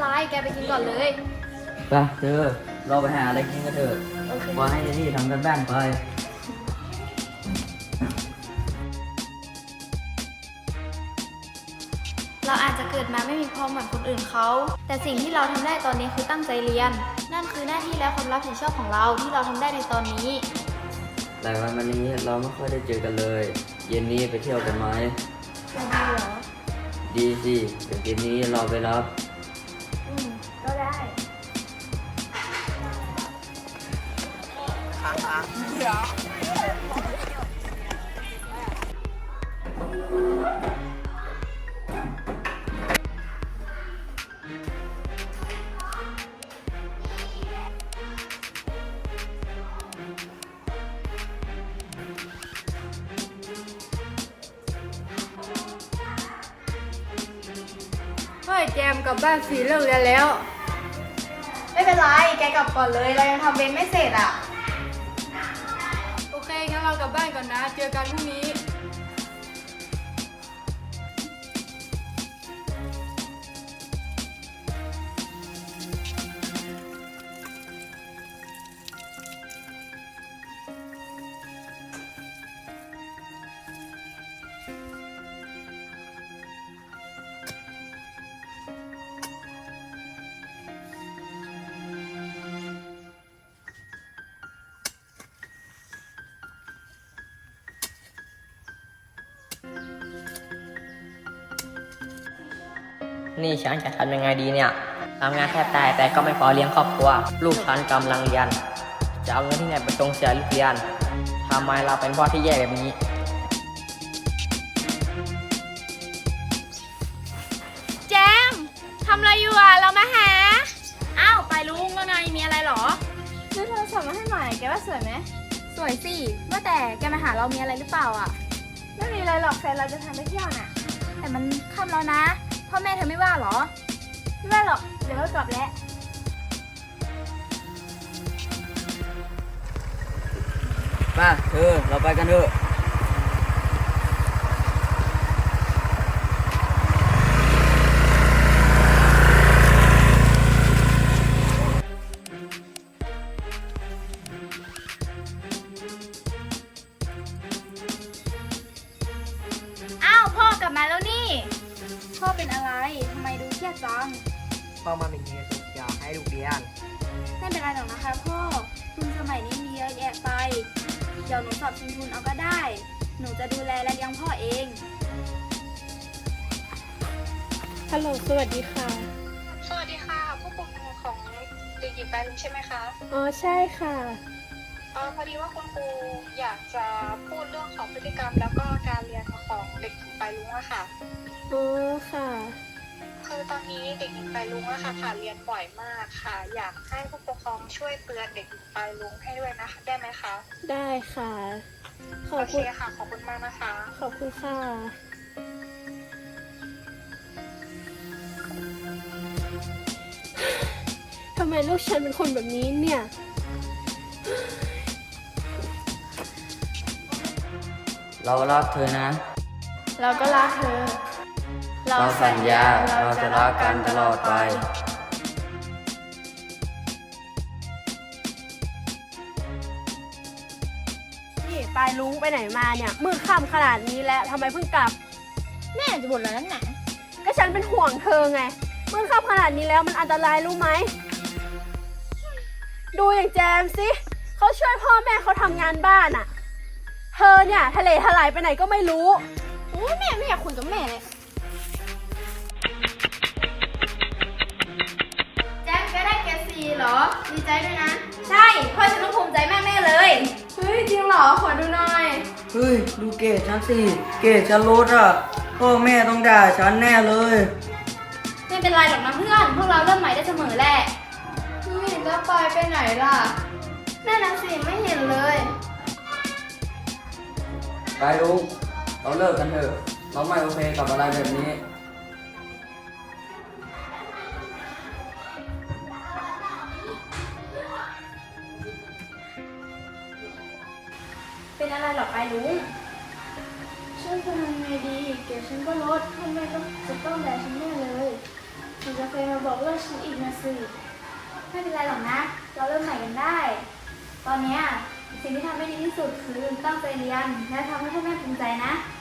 ไรแกไปกินก่อนเลยไปเธอเราไปหาอะไรกินกันเถอะพอให้ที่ทำกันบ้านไปเราอาจจะเกิดมาไม่มีพร้อมเหมือนคนอื่นเขาแต่สิ่งที่เราทำได้ตอนนี้คือตั้งใจเรียนนั่นคือหน้าที่และความรับผิดชอบของเราที่เราทำได้ในตอนนี้หลายวันมานี้เราไม่ค่อยได้เจอกันเลยเย็นนี้ไปเที่ยวกันไหมจะดีเหรอดีสิเดี๋ยวเย็นนี้เราไปรับก็ได้เฮ้ยแจมกลับบ้านสีเลิกเรียนแล้วไม่เป็นไรแกกลับก่อนเลยเรายังทำเวรไม่เสร็จอ่ะโอเคงั้นเรากลับบ้านก่อนนะเจอกันพรุ่งนี้นี่ฉันจะทำยังไงดีเนี่ยทำงานแทบตายแต่ก็ไม่พอเลี้ยงครอบครัวลูกฉันกำลังเรียนจะเอาเงินที่ไหนไปส่งเสียลูกเรียนทำไมเราเป็นพ่อที่แย่แบบนี้แจมทำอะไรอยู่อ่ะเรามาหาอ้าวไปลุงแล้วไงมีอะไรหรอซื้อโทรศัพท์มาให้หน่อยแกว่าสวยไหมสวยสิว่าแต่แกมาหาเรามีอะไรหรือเปล่าอ่ะไม่มีอะไรหรอกแฟนเราจะทำไปเที่ยวน่ะแต่มันค่ำแล้วนะพ่อแม่เธอไม่ว่าหรอไม่ว่าหรอกเดี๋ยวก็กลับแล้วมาเธอเราไปกันเถอะอ้าวพ่อกลับมาแล้วนี่พ่อเป็นอะไรทำไมดูเครียดจังพ่อมาเป็นเงินส่งเสียให้ลูกเรียนไม่เป็นไรหรอกนะคะพ่อทุนสมัยนี้มีเยอะแยะไปเดี๋ยวหนูสอบชิงทุนเอาก็ได้หนูจะดูแลและเลี้ยงพ่อเองฮัลโหลสวัสดีค่ะสวัสดีค่ะผู้ปกครองของเด็กหญิงปลายลุงใช่ไหมคะอ๋อใช่ค่ะพอดีว่าคุณครูอยากจะพูดเรื่องของพฤติกรรมแล้วก็การเรียนของเด็กหญิงปลายลุงอะค่ะอ๋อค่ะคือตอนนี้เด็กหญิงปลายลุงอะค่ะขาดเรียนบ่อยมากค่ะอยากให้ผู้ปกครองช่วยเตือนเด็กหญิงปลายลุงให้ด้วยนะคะได้ไหมคะได้ค่ะขอบโอเคคุณค่ะขอบคุณมากนะคะขอบคุณค่ะทำไมลูกฉันเป็นคนแบบนี้เนี่ยเรารักเธอนะเราก็รักเธอเราสัญญาเราจะรักกันตลอดไปนี่ปลายลุงไปไหนมาเนี่ยมืดค่ำขนาดนี้แล้วทำไมเพิ่งกลับแม่จะบ่นอะไรนั่นหนาก็ฉันเป็นห่วงเธอไงมืดค่ำขนาดนี้แล้วมันอันตรายรู้ไหมดูอย่างแจมสิเขาช่วยพ่อแม่เขาทำงานบ้านอะเธอเนี่ยทะเลถลายไปไหนก็ไม่รู้โอ้ยแม่ไม่อยากคุยกับแม่เลยแจ๊คแกได้เกรด4เหรอดีใจด้วยนะใช่พ่อฉันต้องภูมิใจมากแน่เลยเฮ้ยจริงเหรอขอดูหน่อยเฮ้ยดูเกรดฉันสิเกรดฉันลดอ่ะพ่อแม่ต้องด่าฉันแน่เลยไม่เป็นไรหรอกนะเพื่อนพวกเราเริ่มใหม่ได้เสมอแหละเฮ้ยแล้วไปไหนล่ะแม่น่ะสิไม่เห็นเลยไปลุงเราเลิกกันเถอะเราไม่โอเคกับอะไรแบบนี้เป็นอะไรหรอไปลุงฉันจะทำไงดีเกรดฉันก็ลดทำไมจะต้องแบกฉันแน่เลยหนูจะเคยมาบอกเลิกฉันอีกนะสิไม่เป็นไรหรอกนะ เราเริ่มใหม่กันได้ ตอนเนี้ยสิ่งที่ทำได้ดีที่สุดคือตั้งใจเรียนและทำให้พ่อแม่ภูมิใจนะ